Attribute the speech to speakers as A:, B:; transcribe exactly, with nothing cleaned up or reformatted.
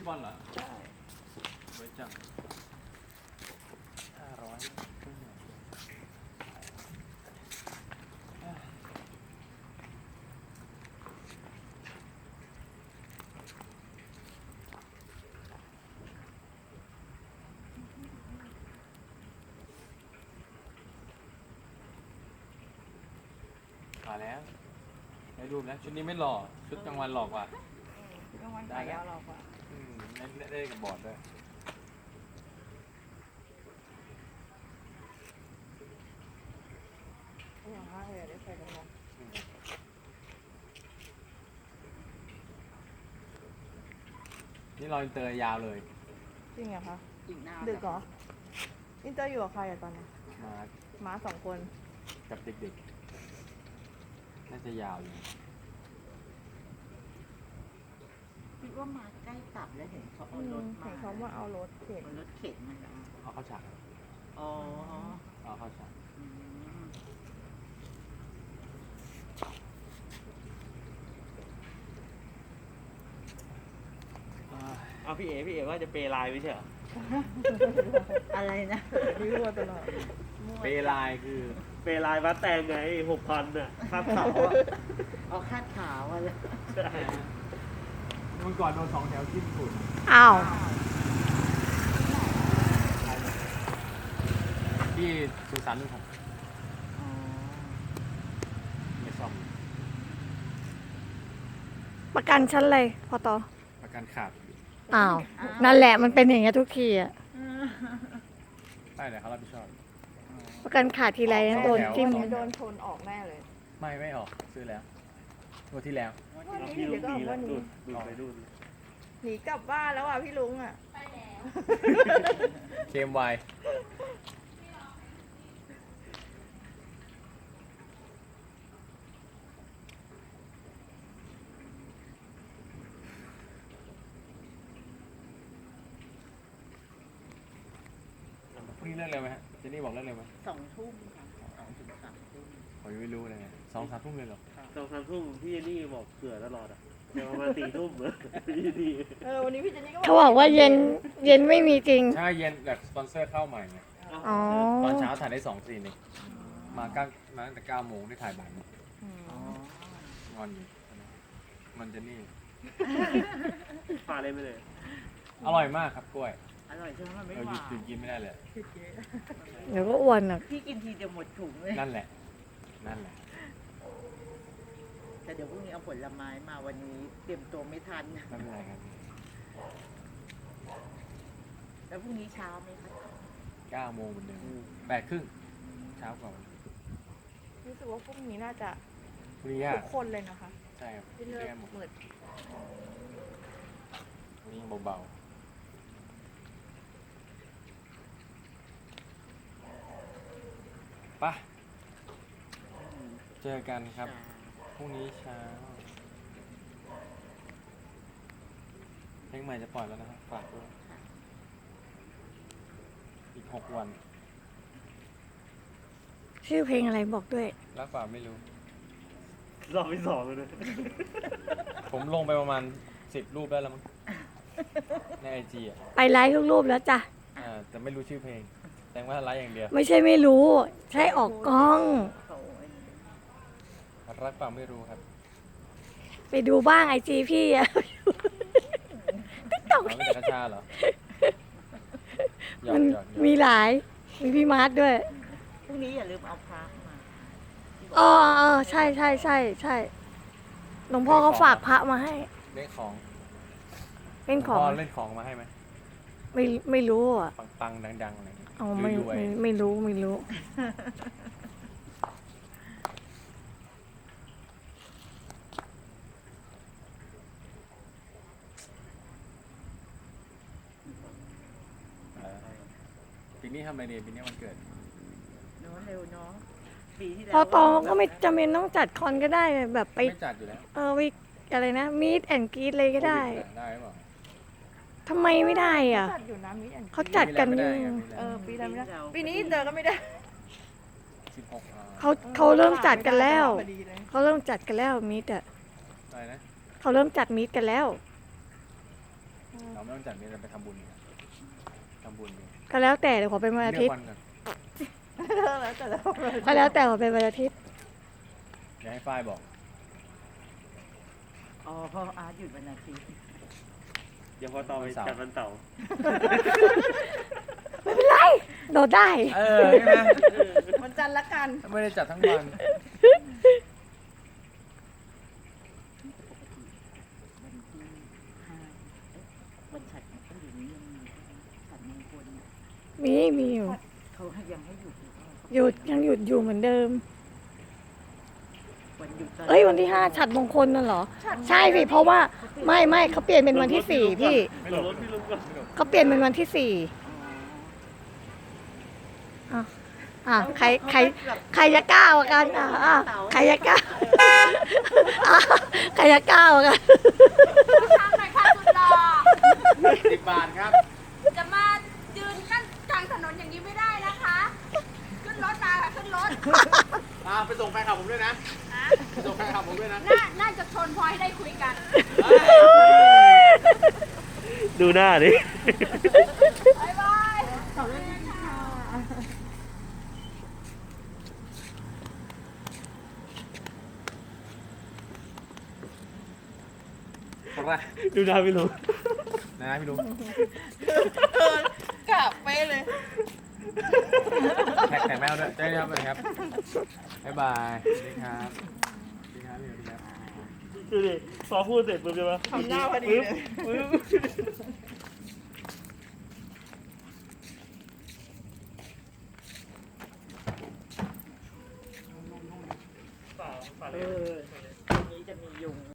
A: บอลเหรอ
B: ใช่
A: ไว้จังห้าร้อยมาแล้วได้รูปแล้วชุดนี้ไม่หล่อชุดกลางวันหล่อกว่า
B: ชุดกลางวันขายาวหรอกว่า
A: อืมได้ได้กับบอร์ดด้วย
B: อร่อยมากเลยได้ใส่กันหมด
A: นี่รออินเตอร์ยาวเลย
B: จริงเหรอคะ
C: อีกหน้า
B: ดึกเหรออินเตอร์อยู่กับใครอะตอนนี้
A: มา
B: ม้าสองคน
A: กับเด็กๆน่าจะยาวอยู่
C: คิดว่ามาใกล้กลับแล้วเห็นเขา
B: อื
C: เอาร
B: ม
C: ถ
B: เห็
C: มาน
B: เขาว่าเอารถเข็น
C: เอารถเข็นมาแล้ว
A: เอาเข้าฉาก
C: อ๋อ
A: เอาเข้าฉาก
C: อืม
D: เอาพี่เอ๋พี่เอ๋ว่าจะเปย์ไลน์ไม่ใช่เหรอ
C: อะไรนะ
B: พี่รัวตลอด
A: เปลายคือ
D: เปย์ไลน์วัดแตงไงหกพันอ่ะค่าเขาอ่ะ
C: เอาคาดขาวอะไร
D: ใช่
A: เมื่อก่อนโดนสองแถวจิ้มฝุ่น
B: อ้าว
A: ที่สุสานนุ่งผม
C: อ๋อ
A: ไม่ซ่อม
E: ประกันชั้นอะไรพอต่อ
A: ประกันขาด
E: อ้าว นั่นแหละมันเป็นอย่างเงี้ยทุกทีอะ
A: ได้เลยเขารับผิดชอบ
E: ประกันขาดทีไรนะโดนจิ้ม
B: วันนี้โดนชนออกแน่เลย
A: ไม่ไม่ออกซื้อแล้วงวดที่แล้ว
B: วัน
D: เอา
B: นี้
D: พี่ลุ
B: เดี๋ยวก็ออก
D: งดีแล้
B: วั
D: วน ดู
B: นี้
D: ดดูดไปดูด
B: หนีกลับบ้านแล้วอ่ะพี่ลุงอ่ะ
A: เคมไวพรุ่งนี้เลิกเร็วไหมฮะเจนนี่บอกเลิกเร็วไหม
C: สองทุ่มค่ะสองถึงสามทุ่ม
A: ผมยังไม่รู้เลยไงสองสามทุ่มเลยเหรอ
D: สองสามทุ่มพี่เจนี่บอกเผื่อตลอดอ่ะเดี๋ยวประมาณสี่ทุ่มเหรอพี่ดี
B: เออวันนี้พี่เจนนี่ก็
E: เขาบอกว่าเย็นเย็นไม่มีจริง
A: ใช่เย็นแบบสปอนเซอร์เข้าใหม่ไง
E: อ๋อ
A: ตอนเช้าถ่ายได้สองซีนเองมาเก้ามาตั้งแต่เก้าโมงได้ถ่ายบ่ายโมง
B: อืม
C: อ๋อง
A: อนอยู่มันจะนี่
D: พาเลยไปเลย
A: อร่อยมากครับกล้วย
C: อร่อยใช่ไหมมันไม่
A: เรา
C: ห
A: หยุด
C: วาน
A: หยุดกินไม่ได้เลย
E: เดี๋ยวก็อ้วนอ่ะ
C: พี่กินทีจะหมดถุงเลย
A: นั่นแหละ นั่นแหละ
C: แต่เดี๋ยวพรุ่งนี้เอาผลไม้มาวันนี้เตรียมตัวไม่ทัน
A: ไม่เป็นไรครับ
C: แล้วพรุ่งนี้เช้าไหมคะ
A: เก้าโมงเหมือนเดิมแปดครึ่งเช้ากว่าวันนี้
B: รู้สึกว่าพรุ่งนี้น่าจะ
A: พรุ่งนี้ยา
B: ทุ
A: ก
B: กคนเลยนะคะ
A: ใช่ครับ
B: ที่เลิ
A: เรี
B: ก
A: ยกหมด
B: มืด
A: วันนี้เบาๆไปะเจอกันครับ พรุ่งนี้เช้า เพลงใหม่จะปล่อยแล้วนะครับ ฝากด้วย อีกหกวัน
E: ชื่อเพลงอะไรบอกด้วย
A: รักเปล่าไม่รู้
D: รอบที่สองเลยนะ
A: ผมลงไปประมาณสิบรูปได้แล้วมั้ง ในไอจีอ่ะ
E: ไปไลฟ์ทุกรูปแล้วจ้ะ
A: อ่าแต่ไม่รู้ชื่อเพลง แต่ว่าไลฟ์อย่างเดียว
E: ไม่ใช่ไม่รู้ ใช่ออกกล้อง
C: เขาอันนี้
A: รักเปล่าไม่รู้ครับ
E: ไปดูบ้างไอจีพี่อะ ติ๊กต็อก
A: อ๋อไม่แต่กระชาเหรอหยอ
E: มั
A: ก
E: น
A: หยอกหยอก
E: มีหลาย มีพี่มาร์ทด้วย
C: พรุ่งนี้อย่าลืมเอาพระมา
E: อ๋อเออใช่ใช่ใช่ใช่หลวงพ่อเขาฝากพระมาให้
A: เล่นของ
E: เป็นของ
A: พ่อเล่นของมาให้ไหม
E: ไม่ไม่รู้อ่ะ
A: ปังๆดังๆอะไรอย่างเงี้ย
E: อ๋อไม่
A: รวย
E: ไม่ไม่รู้ไม่รู้
A: ๆเออปีนี้ทำอะไรดีปีนี้วันเกิด
C: เนาะเร็วเนาะปีที่แล้ว
E: พอโตก็ไม่จำเป็นต้องจัดคอนก็ได้แบบไป
A: ไม่จัดอยู่แล้ว
E: เออไปอะไรนะมีดแอนกรีดเลยก็ได้
A: โควิอะได้หรือเปล่า
E: ทำไมไม่ได้อ่ะ
B: จัดอยู่นะมิดแอน
E: เขาจัดกัน
A: ไม่
E: อ
A: ได้
E: ยู่
A: ไง
B: เออปีนั้นไม่ได้ปีนี้เจอก็ไม่ได้
A: สิบหกอ่า
E: เขาเขาเริ่มจัดกันแล้ว
B: พอดีเลย
E: เขาเริ่มจัดกันแล้วมีดอ่ะ
A: อะไรนะ
E: เขาเริ่มจัดมีดกันแล้ว
B: อืม
A: เราไม่ต้องจัดนี้เราไปทำบุญกันทำบุญกัน
E: ก็แล้วแต่เดี๋ยวขอเป็นวันอา
A: เลื
E: ทิ
A: อ
E: ต
A: ก
E: ย์
A: วันกัน
B: แล้วแต่แล้ว
E: ก็แล้วแต่ขอเป็นวันอาทิตย์
A: เดี๋ยวให้ฝ้ายบอก
C: อ๋อเพราะอาร์ตหยุดวันอาทิตย์
D: เดี๋ยวพอต่อไปจัดวันเสาร์
E: ไม่เป็นไรโดดได้
A: เออใช่ไหม
B: วันจันทร์ละกัน
A: ไม่ได้จัดทั้งวัน
C: วันที่ห้าเอ๊ะวันฉัดต้องอยู่นี้ยังมีฉัดมงคลน่ะ
E: มีมีอยู่
C: เขาให้ยังให้หยุดอยู่เปล่า
E: หยุดยังหยุดอยู่เหมือนเดิม
C: วันหยุด
E: เอ้ยวันที่ห้าฉัดมงคลนั่นเหรอ ใช่สิเพราะว่าไม่ไม่เขาเปลี่ยนเป็นวันที่สี่พี่
A: ไม่
D: ล
A: หล
D: ง
A: บ
D: รถพี่ลุงก่อน
E: เขาเปลี่ยนเป็นวันที่สี่อ่ะอ่ะใครใครใครจะกล้ากว่ากันอ่ะอ่ะใครจะกล้าอ่ะใครจะกล้ากว่ากัน
F: ทางไหนคะสุดหล่อ
A: สิบบาทครับ
F: จะมายืนกั้นกลางถนนอย่างนี้ไม่ได้นะคะ ขึ้นรถมาค่ะขึ้นรถ
A: อ่าไปส่งแฟนคลับผมด้วยนะไปส่งแฟนคลับผมด้วยนะ
F: น่าน่าจะชนพอให้ได้คุยกัน
D: ดูหน้าดิ
F: บ๊ายบาย
A: คนแรก
D: ดูหน้าพี่ลุง
A: นะนะพี่ลุง
B: กลับไปเลย
A: แท็กแท็กแมวด้วยเจ๊ครับสวัสดีครับบ๊ายบายสวัสดีครับสวัสดีครับพี่สวัสดีครับ
D: ดูดิพอพูดเสร็จปุ๊บใช่ไหม
B: ทำหน้าพอดีเลย
D: ปึ๊บ